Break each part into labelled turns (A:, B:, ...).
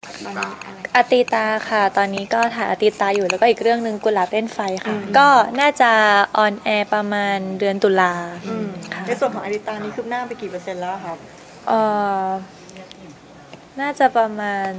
A: ตอนนี้อะไร
B: อติตาค่ะตอนนี้ก็ถ่ายอติตาอยู่แล้วก็อีกเรื่องนึงกุหลาบเล่นไฟค่ะก็น่าจะออนแอร์ประมาณเดือนตุลาค่ะ
C: ในส่วนของอดิตานี้คืบหน้าไปกี่เปอร์เซ็นต์แล้วครับ
B: เอ่อน่าจะประมาณ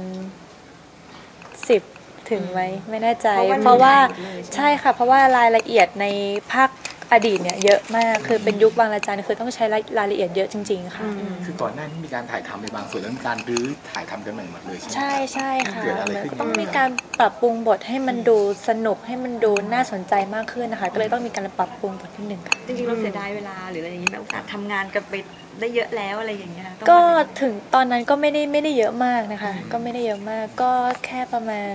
B: 10ถึงไหมไม่แน่ใจเพราะว่าใช่ค่ะเพราะว่ารายละเอียดในภาคอดีตเนี่ยเยอะมากคือเป็นยุคบางระจันคือต้องใช้รายละเอียดเยอะจริงๆค่ะ
D: คือก่อนหน้านี้มีการถ่ายทำในบางส่วนแล้วมีการรื้อถ่ายทำกันใหม่หมดเลยใช่ไหม
B: ใช่ใช่ค่ะ
D: เกิดอะไรขึ้น
B: ต้องมีการปรับปรุงบทให้มันดูสนุกให้มันดูน่าสนใจมากขึ้นนะคะก็เลยต้องมีการปรับปรุงบทนิดนึงค่ะ
A: จริงๆเราเสียดายเวลาหรืออะไรอย่างนี้แบบโอกาสทำงานกันไปได้เยอะแล้วอะไรอย่างเงี้ย
B: ก็ถึงตอนนั้นก็ไม่ได้เยอะมากนะคะก็ไม่ได้เยอะมากก็แค่ประมาณ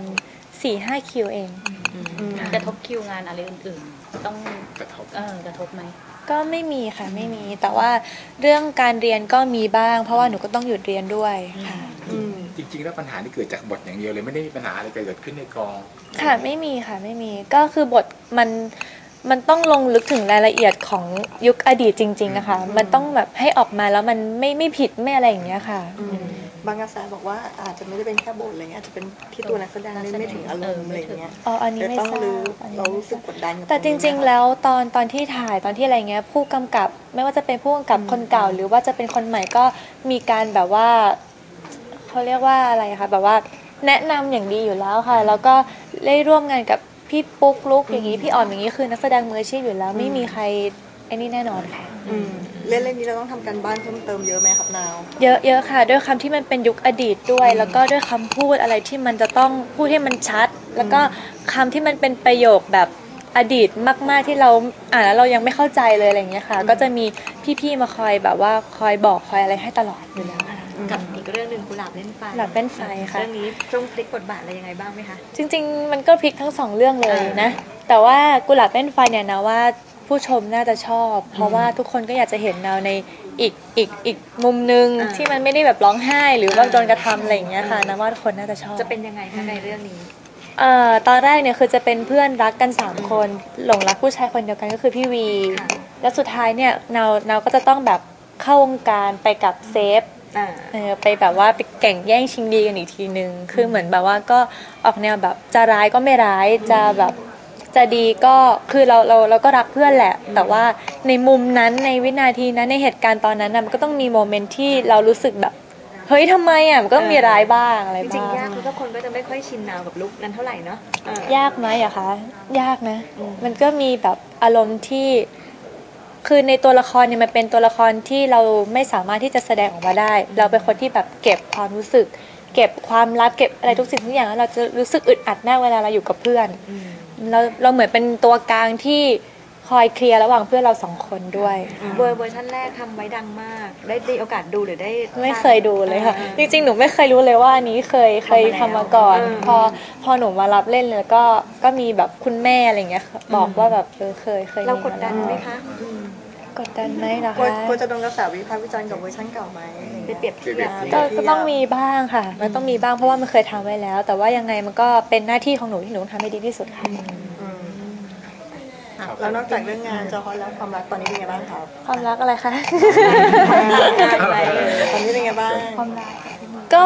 B: 4-5 คิวเอง
E: กระทบคิวงานอะไรอื่นๆต้องกระทบไหม
B: ก็ไม่มีค่ะไม่มีแต่ว่าเรื่องการเรียนก็มีบ้างเพราะว่าหนูก็ต้องหยุดเรียนด้วยค่ะ
D: จริงๆแล้วปัญหาที่เกิดจากบทอย่างเดียวเลยไม่ได้มีปัญหาอะไรเกิดขึ้นในกอง
B: ค่ะไม่มีค่ะไม่มีก็คือบทมันต้องลงลึกถึงรายละเอียดของยุคอดีตจริงๆนะคะมันต้องแบบให้ออกมาแล้วมันไม่ผิดไม่อะไรอย่างเงี้ยค่ะ
C: บางกระแสบอกว่าอาจจะไม่ได้เป็นแค่บทอะไรเงี้ยอาจจะเป็นที่ตัวนักแสดงไม่ถึงอารมณ์อะไรเงี้ย
B: อันนี้ไม่ทราบ
C: เรารู้สึกกดดัน
B: แต่จริงๆแล้วตอนที่ถ่ายตอนที่อะไรเงี้ยผู้กำกับไม่ว่าจะเป็นผู้กำกับคนเก่าหรือว่าจะเป็นคนใหม่ก็มีการแบบว่าเขาเรียกว่าอะไรคะแบบว่าแนะนำอย่างดีอยู่แล้วค่ะแล้วก็ได้ร่วมงานกับพี่ปุ๊กลุกอย่างนี้พี่อ่อนอย่างนี้คือนักแสดงมืออาชีพอยู่แล้วไม่มีใครไอ้นี่แน่นอนค่ะ
C: เรื่องนี้เราต้องทำการบ้านเพิ่มเติมเยอะไหมครับนาว
B: เยอะค่ะด้วยคำที่มันเป็นยุคอดีตด้วยแล้วก็ด้วยคำพูดอะไรที่มันจะต้องพูดให้มันชัดแล้วก็คำที่มันเป็นประโยคแบบอดีตมากๆที่เราอ่านแล้วเรายังไม่เข้าใจเลยอะไรอย่างเงี้ยค่ะก็จะมีพี่ๆมาคอยแบบว่าคอยบอกคอยอะไรให้ตลอดอยู่แล้วค่ะ
A: กับอีกเรื่องนึงกุหลาบเล่นไฟ
B: กุหลาบเล่นไฟค่ะ
A: เรื่องนี้ต้องพลิกบทบาทอะไรยังไงบ้างไหมคะ
B: จริงๆมันก็พลิกทั้ง2เรื่องเลยนะแต่ว่ากุหลาบเล่นไฟเนี่ยนะว่าผู้ชมน่าจะชอบเพราะว่าทุกคนก็อยากจะเห็นเราในอีกมุมนึงที่มันไม่ได้แบบร้องไห้หรือว่าโดนกระทำอะไรอย่างเงี้ยค่ะนะว่าทุกคนน่าจะชอบ
A: จะเป็นยังไงคะในเรื่องนี้
B: ตอนแรกเนี่ยคือจะเป็นเพื่อนรักกัน3คนหลงรักผู้ชายคนเดียวกันก็คือพี่วีแล้วสุดท้ายเนี่ยเราก็จะต้องแบบเข้าวงการไปกับเซฟไปแบบว่าไปแข่งแย่งชิงดีกันอีกทีนึงคือเหมือนแบบว่าก็ออกแนวแบบจะร้ายก็ไม่ร้ายจะแบบจะดีก็คือเราก็รักเพื่อนแหละแต่ว่าในมุมนั้นในวินาทีนั้นในเหตุการณ์ตอนนั้นมันก็ต้องมีโมเมนต์ที่เรารู้สึกแบบเฮ้ยทำไมมันก็มีร้ายบ้างอะไรบ้าง
A: จริงๆยากเพราะคนก็จะไม่ค่อยชินนาวกับลุคนั้นเท่าไหร่เนาะ
B: ยากไหมอะคะยากนะมันก็มีแบบอารมณ์ที่คือในตัวละครเนี่ยมันเป็นตัวละครที่เราไม่สามารถที่จะแสดงออกมาได้เราเป็นคนที่แบบเก็บความรู้สึกเก็บความลับเก็บอะไรทุกสิ่งทุกอย่างแล้วเราจะรู้สึกอึดอัดแน่เวลาเราอยู่กับเพื่อนเราเหมือนเป็นตัวกลางที่คอยเคลียร์ระหว่างเพื่อนเรา2คนด้วย
A: เวอร์ชันแรกทำไว้ดังมากได้โอกาสดูหรือได้
B: ไม่เคยดูเลยค่ะจริงๆหนูไม่เคยรู้เลยว่าอันนี้เคยทำมาก่อนพอหนูมารับเล่นแล้วก็มีแบบคุณแม่อะไรเงี้ยบอกว่าแบบเคย
A: เรากดดันไหมคะ
B: กดดันไหมนะคะ
C: ควรจะโดนกระแสวิพากษ์วิจารณ์กับเวอร์ชันเก่าไหม
A: ไปเปรียบเทียบ
B: ก็ต้องมีบ้างค่ะมันต้องมีบ้างเพราะว่ามันเคยทำไว้แล้วแต่ว่ายังไงมันก็เป็นหน้าที่ของหนูที่หนูทำให้ดีที่สุดค่ะ
C: แล้วนอกจากเรื่องงานจะฮอตแล้วความรักตอนนี้เป็นไงบ้างครับ
B: ความรักอะไรคะ
C: ตอนนี้เป็นไงบ้าง
B: ความรักก็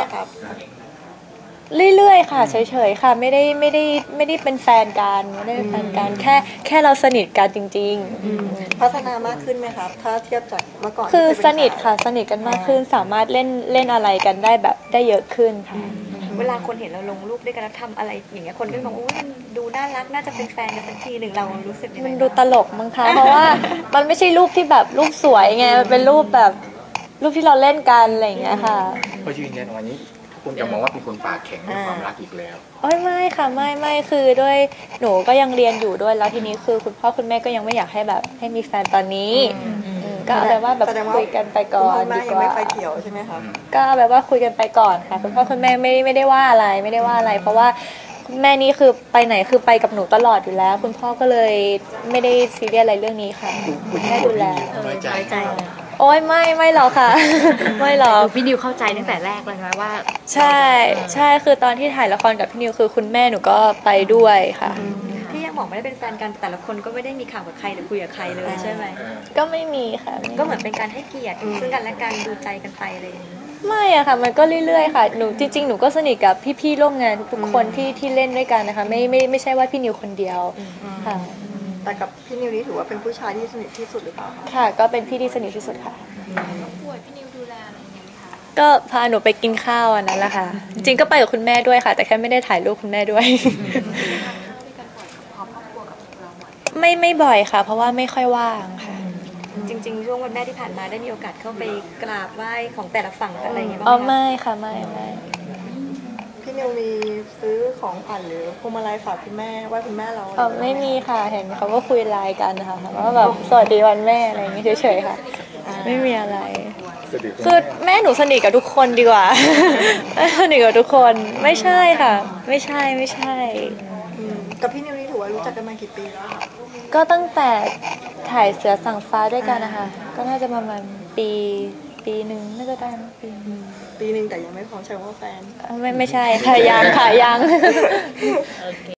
B: เรื่อยๆค่ะเฉยๆค่ะไม่ได้เป็นแฟนกันไม่ได้เป็นแฟนกันแค่เราสนิทกันจริง
C: ๆพัฒนามากขึ้นไหมครับถ้าเทียบจากเมื่อก่อน
B: คือสนิทค่ะสนิทกันมากขึ้นสามารถเล่นอะไรกันได้แบบได้เยอะขึ้นค่ะ
A: เวลาคนเห็นเราลงรูปด้วยกันแล้วทำอะไรอย่างเงี้ยคนก็มองโอ้ยมันดูน่ารักน่าจะเป็นแฟนกันสักทีหนึ่งเรารู้สึกยังไง
B: มันดูตลกมั้งคะเพราะว่ามันไม่ใช่รูปที่แบบรูปสวยไงมันเป็นรูปแบบรูปที่เราเล่นกันอะไรอย่างเงี้ยค่ะ
D: พอยืนยันวันนี้คุณจะมองว่าเป็นคนปากแข็งในความรักอีกแล้ว
B: ไม่ค่ะไม่คือด้วยหนูก็ยังเรียนอยู่ด้วยแล้วทีนี้คือคุณพ่อคุณแม่ก็ยังไม่อยากให้แบบให้มีแฟนตอนนี้ก็เอาแบบว่าแบบคุยกันไปก่อน
C: ดีกว่าไม่ไฟเขียวใช่ไหมคะ
B: ก็เอาแบบว่าคุยกันไปก่อนค่ะคุณพ่อคุณแม่ไม่ได้ว่าอะไรไม่ได้ว่าอะไรเพราะว่าคุณแม่นี่คือไปไหนคือไปกับหนูตลอดอยู่แล้วคุณพ่อก็เลยไม่ได้ซีเรียสอะไรเรื่องนี้ค่ะ
D: คุณ
B: แม่ดูแล
D: น้อยใจ
B: โอ้ยไม่หรอกค่ะไม่หรอก
A: พี่นิวเข้าใจตั้งแต่แรกเลยนะว่า
B: ใช่คือตอนที่ถ่ายละครกับพี่นิวคือคุณแม่หนูก็ไปด้วยค่ะ
A: ที่ยังบอกไม่ได้เป็นแฟนกันแต่ละคนก็ไม่ได้มีข่าวกับใครหรือคุยกับใครเลยใช่ไหม
B: ก็ไม่มีค่ะ
A: ก็เหมือนเป็นการให้เกียรติซึ่งกันและกันดูใจกันไปเลย
B: ไม่อะค่ะมันก็เรื่อยๆค่ะหนูจริงๆหนูก็สนิทกับพี่ๆร่วมงานทุกๆคนที่เล่นด้วยกันนะคะไม่ใช่ว่าพี่นิวคนเดียวค่ะ
C: แต่กับพี่นิวนี่ถือว่าเป็นผู้ชายที่สนิทที่สุดหรือเปล่าคะ
B: ค่ะก็เป็นพี่ที่สนิทที่สุดค่ะ
E: ป่วยพี่นิวดูแลอะไรอย่างเงี้ยไหมคะ
B: ก็พาหนูไปกินข้าวอันนั้นแหละค่ะจริงๆก็ไปกับคุณแม่ด้วยค่ะ แต่แค่ไม่ได้ถ่ายรูปคุณแม่ด้วย ไม่บ่อยค่ะ เพราะว่าไม่ค่อยว่างค่ะ
A: จริงๆช่วงวันแม่ที่ผ่านมาได้มีโอกาสเข้าไปกราบไหว้ของแต่ละฝั่งอะไรอย่างเงี้ย
B: อ๋อ
A: บ้างไหม
B: ไม่ค่ะไม่
C: พี่นิวมีซื้อของขวัญหรือพวงมาลัยฝากคุณแม่ไหว้คุณแม่เรา
B: อ๋อไม่มีค่ะเห็นเขาก็คุยไลน์กันนะคะว่าแบบสวัสดีวันแม่อะไรอย่างเงี้ยเฉยๆค่ะ ไม่มีอะไร
D: สนิทกับ
B: คือแม่หนูสนิทกับทุกคนดีกว่า สนิทกับทุกคนไม่ใช่ค่ะ ไม่ใช่
C: กับพี่นิวนี่ถือว่ารู้จักกันมากี่ปีแล้วคะ
B: ก็ตั้งแต่ถ่ายเสือสั่งฟ้าด้วยกันนะคะก็น่าจะประมาณปีหนึ่งน่าจะได้นะปีหนึ่ง
C: ปีหนึ่งแต่ยังไม่พร้อมใช้คำว่าแฟน
B: ไม่ใช่ค่ะยังค่ะยัง
E: โอเค